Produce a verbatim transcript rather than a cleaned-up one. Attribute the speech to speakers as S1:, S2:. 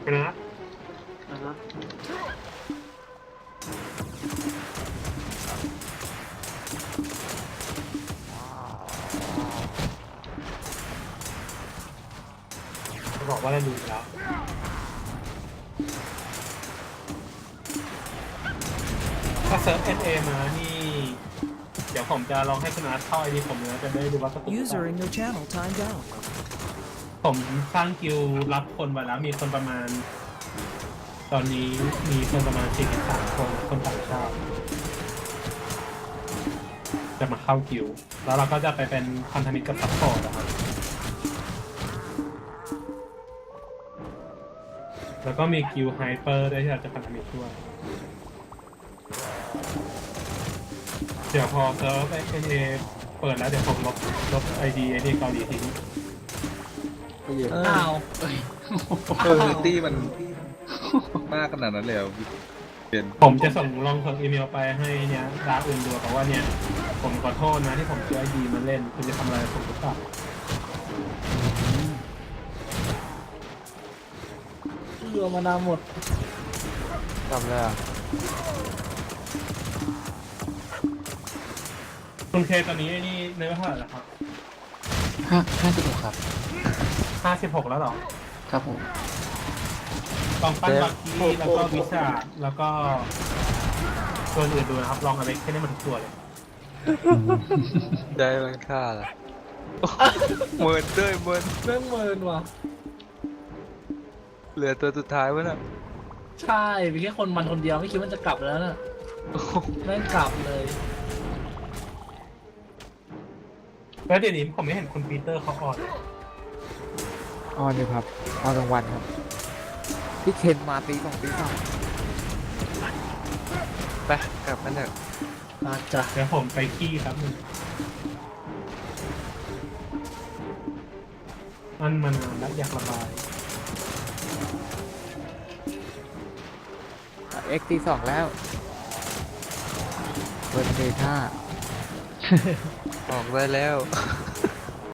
S1: คุณนะ
S2: อ่าฮะ
S1: จะบอกว่าเราดูแล้วถ้าเซิร์ฟ เอ็น เอ มานี่เดี๋ยวผมจะลองให้คุณนัทเข้าไอดีผมนะจะได้ดูว่าสกุล
S3: User in your channel timed out.
S1: ผมสร้างกิลด์รับคนไว้แล้วมีคนประมาณ ตอนนี้มีคนประมาณสี่สิบสามคนคนต่างชาติจะมาเข้ากิลด์แล้วเราก็จะไปเป็นพันธมิตรกับซัพพอร์ตนะครับแล้วก็มีกิลด์ไฮเปอร์ด้วยที่เราจะพันธมิตรด้วยเดี๋ยวพอเซิร์ฟ เอ็น เอ เปิดแล้วเดี๋ยวผมลบลบไอดีไอดีเกาหลีทิ้ง
S2: อ้าว
S4: เออตี้มันมากขนาดนั้นเลยเหรอเปลี่ยน
S1: ผมจะส่งลองส่งอีเมลไปให้เนี่ยดาร์กอื่นดูแต่ว่าเนี่ยผมขอโทษนะที่ผมเชื่อไอดีมาเล่นคุณจะทำอะไรผมหรือเปล่า
S2: เรือมานาวหมด
S5: จำเลยอ่ะ
S1: คุณเคตอนนี้ไอ้นี่เนื้อเท่าไหร่แล้วครับ
S5: ห้าห้าสิบหกครับ
S1: ห้าสิบหกแล้วเหรอ
S5: ครับผม
S1: ลองปั้นบักกี้แล้วก็วิชาแล้วก็ตัวอื่นดูนะครับ ลองอะไรแค่นี้มันทุกตัวเลย
S4: ได้มันค่าละเมินด้วยเมิน
S2: แม่งเมินว่ะ
S4: เหลือตัวสุดท้ายวะน่ะ
S2: ใช่มีแค่คนมันคนเดียวไม่คิดว่าจะกลับแล้วน่ะแม่งกลับเลย
S1: แล้วเดี๋ยวนี้ผมไม่เห็นคุณปีเตอร์เขาออน
S5: ออนอยู่ครับออนกลางวันครับพี่เคนมาตีสองตีสาม
S4: ไปกลับกันเถอะ
S2: อาจจะ
S1: เดี๋ยวผมไปขี้ครับนึงมันมานานแล้วอยากระบาย
S5: เอ็กตีสองแล้วเบิร์นเดท่า
S4: ออกได้แล้ว